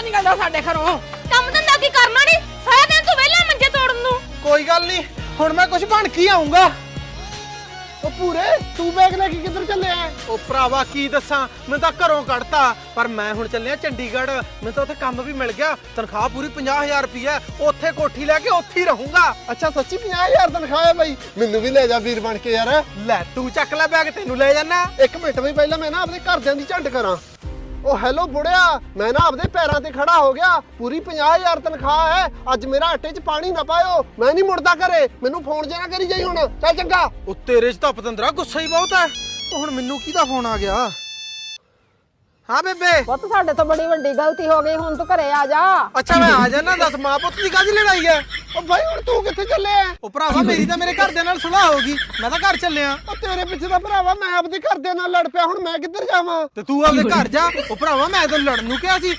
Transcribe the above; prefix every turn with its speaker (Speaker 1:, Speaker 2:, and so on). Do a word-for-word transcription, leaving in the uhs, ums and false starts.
Speaker 1: ਨਿਕਲਿਆ ਨਹੀਂ ਜਾਂਦਾ ਸਾਡੇ ਘਰੋਂ।
Speaker 2: ਕੰਮ ਧੰਦਾ ਕੀ ਕਰਨਾ ਨਹੀਂ, ਸਾਰਾ ਦਿਨ ਤੂੰ ਵਿਹਲਾ ਮੰਜੇ ਤੋੜਨ ਨੂੰ।
Speaker 3: ਕੋਈ ਗੱਲ ਨਹੀਂ, ਹੁਣ ਮੈਂ ਕੁਝ ਬਣ ਕੇ ਆਉਂਗਾ।
Speaker 4: ਉਹ ਪੂਰੇ ਤੂੰ ਬੈਗ ਲੈ ਕੇ ਕਿੱਧਰ ਚੱਲਿਆ?
Speaker 3: ਉਹ ਭਰਾਵਾ ਕੀ ਦੱਸਾਂ, ਮੈਂ ਤਾਂ ਘਰੋਂ ਕੱਢਤਾ, ਪਰ ਮੈਂ ਹੁਣ ਚੱਲਿਆ ਚੰਡੀਗੜ੍ਹ। ਮੈਨੂੰ ਤਾਂ ਉੱਥੇ ਕੰਮ ਵੀ ਮਿਲ ਗਿਆ, ਤਨਖਾਹ ਪੂਰੀ ਪੰਜਾਹ ਹਜ਼ਾਰ ਰੁਪਈਆ। ਉੱਥੇ ਕੋਠੀ ਲੈ ਕੇ ਉੱਥੇ ਹੀ ਰਹੂੰਗਾ।
Speaker 4: ਅੱਛਾ ਸੱਚੀ ਪੰਜਾਹ ਹਜ਼ਾਰ ਤਨਖਾਹ ਹੈ ਬਾਈ? ਮੈਨੂੰ ਵੀ ਲੈ ਜਾ ਵੀਰ ਬਣ ਕੇ ਯਾਰ।
Speaker 3: ਲੈ ਤੂੰ ਚੱਕ ਲੈ ਬੈਗ, ਤੈਨੂੰ ਲੈ ਜਾਣਾ।
Speaker 4: ਇੱਕ ਮਿੰਟ ਵੀ ਪਹਿਲਾਂ ਮੈਂ ਨਾ ਆਪਣੇ ਘਰਦਿਆਂ ਦੀ ਝੰਡ ਕਰਾਂ। ਉਹ ਹੈਲੋ ਬੁੜਿਆ, ਮੈਂ ਨਾ ਆਪਦੇ ਪੈਰਾਂ ਤੇ ਖੜਾ ਹੋ ਗਿਆ। ਪੂਰੀ ਪੰਜਾਹ ਹਜ਼ਾਰ ਤਨਖਾਹ ਹੈ। ਅੱਜ ਮੇਰਾ ਆਟੇ 'ਚ ਪਾਣੀ ਨਾ ਪਾਇਓ, ਮੈਂ ਨਹੀਂ ਮੁੜਦਾ ਘਰੇ। ਮੈਨੂੰ ਫੋਨ ਜਿਹਾ ਨਾ ਕਰੀ ਜਾਈ ਹੁਣ। ਚੱਲ ਚੰਗਾ।
Speaker 3: ਉਹ ਤੇਰੇ 'ਚ ਤਾਂ ਪਤੰਦਰਾ ਗੁੱਸਾ ਹੀ ਬਹੁਤ ਹੈ। ਹੁਣ ਮੈਨੂੰ ਕਿਹਦਾ ਫੋਨ ਆ ਗਿਆ? ਹਾਂ ਬੇਬੇ।
Speaker 1: ਪੁੱਤ ਸਾਡੇ ਤੋਂ ਬੜੀ ਵੱਡੀ ਗਲਤੀ ਹੋ ਗਈ, ਹੁਣ ਤੂੰ ਘਰੇ ਆ ਜਾ।
Speaker 3: ਅੱਛਾ ਮੈਂ ਆ ਜਾਣਾ, ਦੱਸ ਮਾਂ ਪੁੱਤ ਦੀ ਕਾਹਦੀ ਲੜਾਈ ਹੈ?
Speaker 4: ਉਹ ਬਾਈ ਹੁਣ ਤੂੰ ਕਿੱਥੇ ਚੱਲਿਆ?
Speaker 3: ਉਹ ਭਰਾਵਾ ਮੇਰੀ ਤਾਂ ਮੇਰੇ ਘਰਦਿਆਂ ਨਾਲ ਸੁਲਾਹ ਹੋ ਗਈ, ਮੈਂ ਤਾਂ ਘਰ ਚੱਲਿਆ।
Speaker 4: ਉਹ ਤੇਰੇ ਪਿੱਛੇ ਦਾ ਭਰਾਵਾ ਮੈਂ ਆਪਦੇ ਘਰਦਿਆਂ ਨਾਲ ਲੜ ਪਿਆ, ਹੁਣ ਮੈਂ ਕਿੱਧਰ ਜਾਵਾਂ?
Speaker 3: ਤੇ ਤੂੰ ਆਪਦੇ ਘਰ ਜਾ। ਉਹ ਭਰਾਵਾ ਮੈਂ ਤਾਂ ਲੜਨ ਨੂੰ ਕਿਹਾ ਸੀ,